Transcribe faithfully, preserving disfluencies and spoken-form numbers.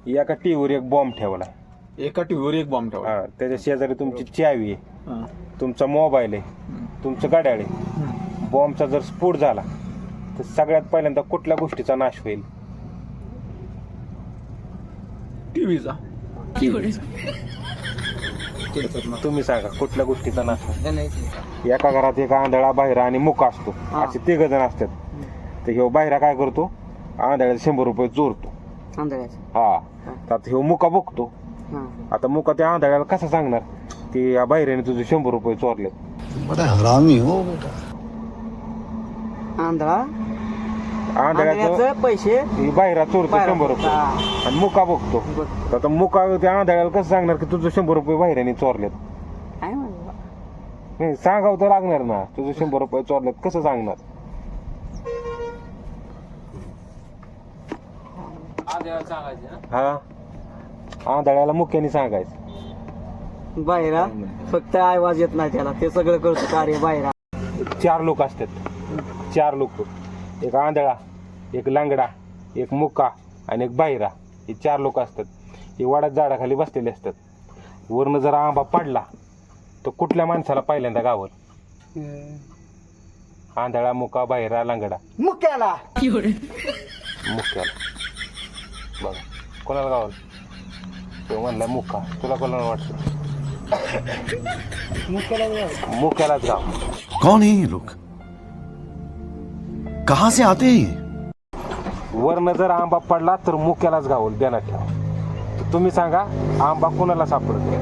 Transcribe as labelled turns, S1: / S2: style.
S1: एका टीव्हीवर एक बॉम्ब ठेवला,
S2: एका टीव्हीवर एक बॉम्ब ठेवला.
S1: हा त्याच्या शेजारी तुमची चावी आहे,
S2: हा.
S1: तुमचा मोबाईल आहे, तुमचं गाड्याळ आहे. बॉम्बचा जर स्फोट झाला तर सगळ्यात पहिल्यांदा कुठल्या गोष्टीचा नाश होईल?
S2: टीव्हीचा.
S1: तुम्ही सांगा कुठल्या गोष्टीचा नाश होईल? एका घरात एक आंधळा, बाहेर आणि मुका असतो, असे तिघ जण असतात. तर ह्यो बाहेरा काय करतो, आंधळ्याला शंभर रुपये चोरतो. हा तर आता ह्यो मुका बघतो. आता मुका त्या आंधळ्याला कसा सांगणार की या बाहेरने तुझे शंभर रुपये चोरलेत?
S3: बड़ा हरामी हो बेटा.
S4: आंधळा
S1: आंधळ्याचं
S4: पैसे
S1: ही बाहेरा चोरतो
S4: बाहेरा
S1: शंभर रुपये
S4: हा.
S1: आणि मुका बघतो. तर आता मुका त्या आंधळ्याला कसं सांगणार की तुझं शंभर रुपये बाहेरने चोरलेत?
S4: काय म्हणलं?
S1: नाही सांगावं तर लागणार ना, तुझं शंभर रुपये चोरलेत कसं सांगणार? हा आंधळ्याला मुक्याने सांगायचं.
S4: बाहेरा फक्त आवाज येत नाही त्याला, ते सगळं करतो कार्य बाहेरा.
S1: चार लोक असतात, चार लोक, एक आंधळा, एक लांगडा, एक मुका आणि एक बाहिरा. हे चार लोक असतात. हे वाड्यात झाडाखाली बसलेले असतात. वरनं जर आंबा पडला तर कुठल्या माणसाला पहिल्यांदा गावल? आंधळा, मुका, बाहिरा, लांगडा.
S4: मुक्याला
S1: मुक्याला. बघा कोणाला गावल? तो म्हणला मुका. तुला कोणाला वाटतं? मुक्यालाच गाव.
S3: कौन है ये लोग? कहां से आते हैं ये?
S1: वरनं जर आंबा पडला तर मुक्यालाच गावल, ध्यानात ठेवा. तर तुम्ही सांगा आंबा कोणाला सापडतो?